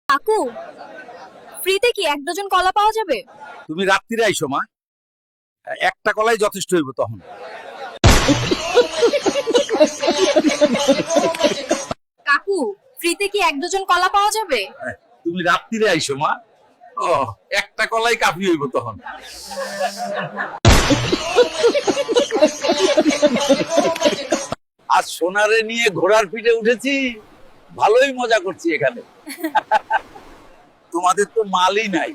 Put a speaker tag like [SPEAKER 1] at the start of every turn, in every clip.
[SPEAKER 1] কাকু, ফ্রিতে কি এক ডজন কলা পাওয়া যাবে?
[SPEAKER 2] তুমি রাত্রিরে আইসো মা, একটা কলাই যথেষ্ট হইব তখন।
[SPEAKER 1] কাকু, ফ্রিতে কি এক ডজন কলা পাওয়া যাবে?
[SPEAKER 2] তুমি রাত্রিরে আইসো মা, ও একটা কলাই কাফি হইব তখন। আজ সোনারে নিয়ে ঘোড়ার পিঠে উঠেছি, ভালোই মজা করছি এখানে। তোমাদের তো মালই নাই।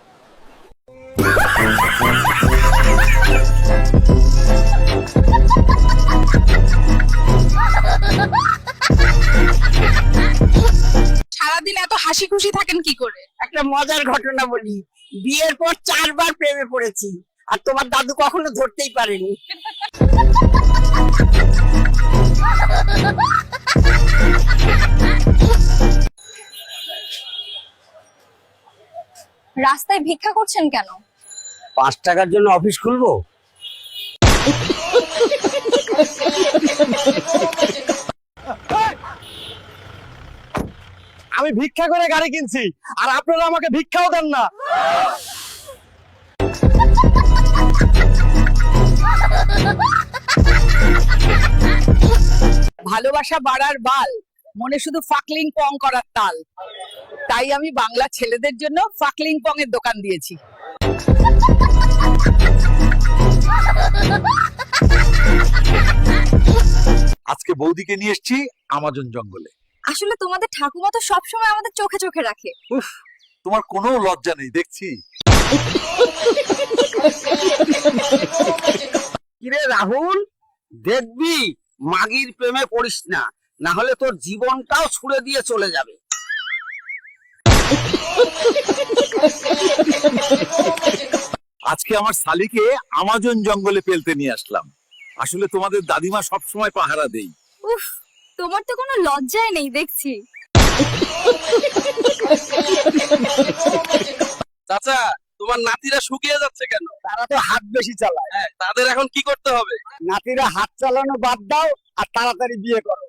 [SPEAKER 1] সারাদিন এত হাসি খুশি থাকেন কি করে?
[SPEAKER 3] একটা মজার ঘটনা বলি। বিয়ের পর 4বার প্রেমে পড়েছি, আর তোমার দাদু কখনো ধরতেই পারেনি।
[SPEAKER 1] রাস্তায় ভিক্ষা করছেন কেন?
[SPEAKER 3] 5 টাকার জন্য অফিস খুলবো?
[SPEAKER 4] আমি ভিক্ষা করে গাড়ি কিনছি, আর আপনারা আমাকে ভিক্ষাও দেন না।
[SPEAKER 3] ভালোবাসা বাড়ার বাল, মনে শুধু ফাকলিং পং করার তাল। তাই আমি বাংলা ছেলেদের জন্য ফাকলিং পং এর দোকান দিয়েছি।
[SPEAKER 2] আজকে বৌদিকে নিয়ে এসেছি আমাজন জঙ্গলে।
[SPEAKER 1] আসলে তোমাদের ঠাকুমা তো সবসময় আমাদের চোখে চোখে রাখে।
[SPEAKER 2] তোমার কোনো লজ্জা নেই দেখছি।
[SPEAKER 3] কিরে রাহুল, দেখবি মাগির প্রেমে পড়িস না, না হলে তোর জীবনটাও ছুড়ে দিয়ে চলে যাবে।
[SPEAKER 2] আজকে আমার শালিকে আমাজন জঙ্গলে পেলতে নিয়ে আসলাম। আসলে তোমাদের দাদিমা সবসময় পাহারা দেই।
[SPEAKER 1] উফ, তোমার তো কোনো লজ্জাই নেই দেখছি।
[SPEAKER 4] চাচা, তোমার নাতিরা শুকিয়ে যাচ্ছে কেন?
[SPEAKER 3] তারা তো হাত বেশি চালায়।
[SPEAKER 4] হ্যাঁ, তাদের এখন কি করতে হবে?
[SPEAKER 3] নাতিরা হাত চালানো বাদ দাও আর তাড়াতাড়ি বিয়ে করো।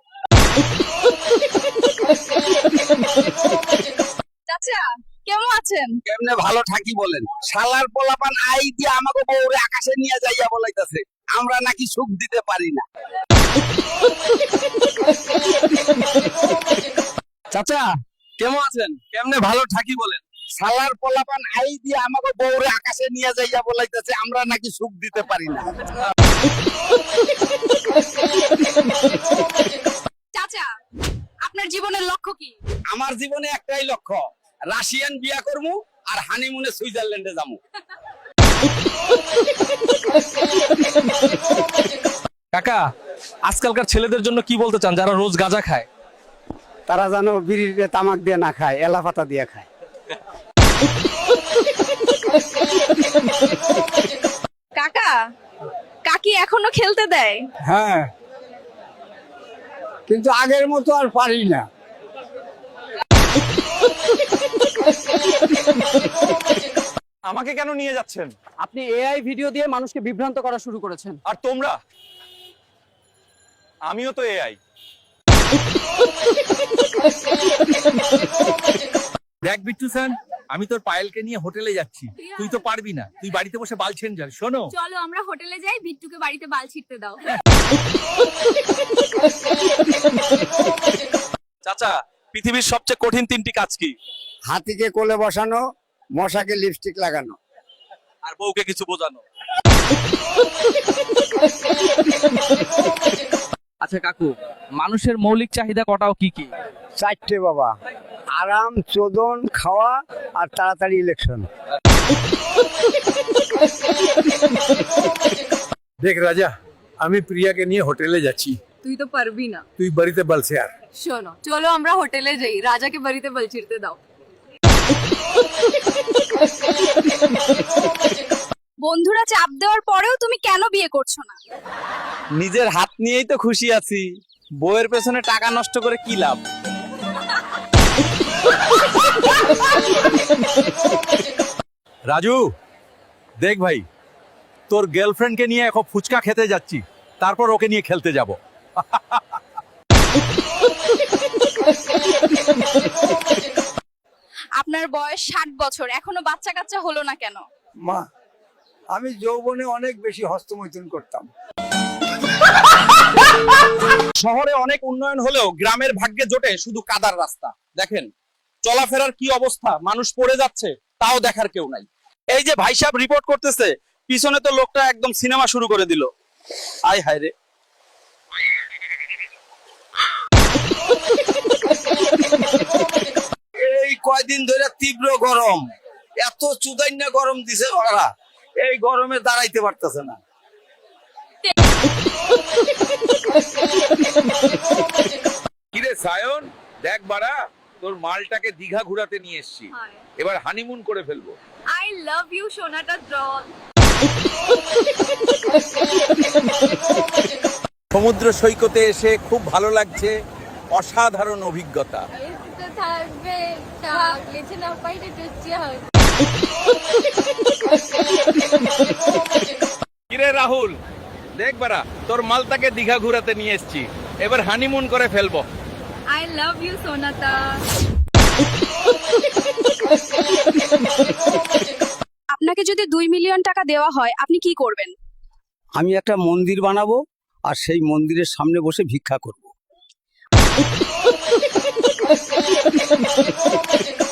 [SPEAKER 1] চাচা, কেমন আছেন?
[SPEAKER 3] কেমনে ভালো থাকি বলেন? শালার পোলাপান আই দিয়ে আমাকে বউরে আকাশে নিয়ে যাইয়া বলাইতাছে আমরা নাকি সুখ দিতে পারি না।
[SPEAKER 4] চাচা, কেমন আছেন? কেমনে ভালো থাকি বলেন?
[SPEAKER 3] শালার পোলাপান আই দিয়ে আমাকে বউরে আকাশে নিয়ে যাইয়া বলাইতাছে আমরা নাকি সুখ দিতে পারি না।
[SPEAKER 1] চাচা, আপনার জীবনের লক্ষ্য কি?
[SPEAKER 3] আমার জীবনে একটাই লক্ষ্য, রাশিয়ান বিয়া করবো আর হানিমুনে সুইজারল্যান্ডে যাবো।
[SPEAKER 4] কাকা, আজকালকার ছেলেদের জন্য কি বলতে চান যারা রোজ গাঁজা খায়?
[SPEAKER 5] তারা যেন বিড়ির তামাক দিয়ে না খায়, এলা পাতা দিয়ে খায়।
[SPEAKER 1] কাকা, কাকি এখনো খেলতে দেয়?
[SPEAKER 5] হ্যাঁ, কিন্তু আগের মতো আর পারি না।
[SPEAKER 4] আমাকে কেন নিয়ে যাচ্ছেন?
[SPEAKER 6] আপনি এআই ভিডিও দিয়ে মানুষকে বিভ্রান্ত করা শুরু করেছেন।
[SPEAKER 4] আর তোমরা? আমিও তো এআই।
[SPEAKER 2] দেখ বিট্টু স্যার, আমি তোর পায়েলকে নিয়ে হোটেলে যাচ্ছি। তুই তো পারবি না, তুই বাড়িতে বসে বাল ছেন যা। শোনো,
[SPEAKER 1] চলো আমরা হোটেলে যাই, বিট্টুকে বাড়িতে বাল ছিটতে দাও।
[SPEAKER 4] চাচা, পৃথিবীর সবচেয়ে কঠিন 3টি কাজ কি?
[SPEAKER 5] হাতিকে কোলে বসানো, মশাকে লিপস্টিক লাগানো।
[SPEAKER 4] আর বউকে কিছু বোঝানো।
[SPEAKER 6] আচ্ছা কাকু, মানুষের মৌলিক চাহিদা কটাও কি কি?
[SPEAKER 5] 4টে বাবা, আরাম, চোদন, খাওয়া আর তাড়াতাড়ি ইলেকশন।
[SPEAKER 2] দেখ রাজা, আমি প্রিয়াকে নিয়ে হোটেলে যাচ্ছি।
[SPEAKER 1] তুই তো পারবি না।
[SPEAKER 2] তুই বাড়িতে বলছে আর।
[SPEAKER 1] শোনো, চলো আমরা হোটেলে যাই, রাজাকে বাড়িতে বাল ছিড়তে দাও। বন্ধুরা চাপ দেওয়ার পরেও তুমি কেন বিয়ে করছো না?
[SPEAKER 4] নিজের হাত নিয়েই তো খুশি আছি, বউয়ের পেছনে টাকা নষ্ট করে কি লাভ?
[SPEAKER 2] রাজু, দেখ ভাই, তোর গার্লফ্রেন্ডকে নিয়ে এখন ফুচকা খেতে যাচ্ছি, তারপর ওকে নিয়ে খেলতে যাব।
[SPEAKER 1] আপনার বয়স 60 বছর এখনো বাচ্চা কাচ্চা হলো না কেন?
[SPEAKER 5] মা, আমি যৌবনে অনেক বেশি হস্তমৈথুন করতাম।
[SPEAKER 4] শহরে অনেক উন্নয়ন হলেও গ্রামের ভাগ্যে জোটে শুধু কাদার রাস্তা। দেখেন চলাফেরার কি অবস্থা, মানুষ পড়ে যাচ্ছে তাও দেখার কেউ নাই। এই যে ভাই সাহেব রিপোর্ট করতেছে, পিছনে তো লোকটা একদম সিনেমা শুরু করে দিল। আয় হায় রে।
[SPEAKER 5] এই কয়দিন ধরে তীব্র গরম, এত চুদাইন্না গরম দিছে ওরা, এই গরমে দাঁড়াইতে পারতেছে না।
[SPEAKER 7] কিরে সায়ন, দেখ বাড়া, তোর মালটাকে দীঘা ঘুরাতে নিয়ে এসেছি, এবার হানিমুন করে ফেলবো।
[SPEAKER 1] আই লাভ ইউ সোনাটা ডল।
[SPEAKER 2] সমুদ্র সৈকতে এসে খুব ভালো লাগছে, অসাধারণ অভিজ্ঞতা।
[SPEAKER 1] থাকবে থাকলে না পাইলে
[SPEAKER 7] কিরে রাহুল, দেখ বাড়া, তোর মালটাকে দীঘা ঘুরাতে নিয়ে এসেছি, এবার হানিমুন করে ফেলবো।
[SPEAKER 1] আই লাভ ইউ সোনাটা। আপনাকে যদি 2 মিলিয়ন টাকা দেওয়া হয় আপনি কি করবেন?
[SPEAKER 5] আমি একটা মন্দির বানাবো আর সেই মন্দিরের সামনে বসে ভিক্ষা করব।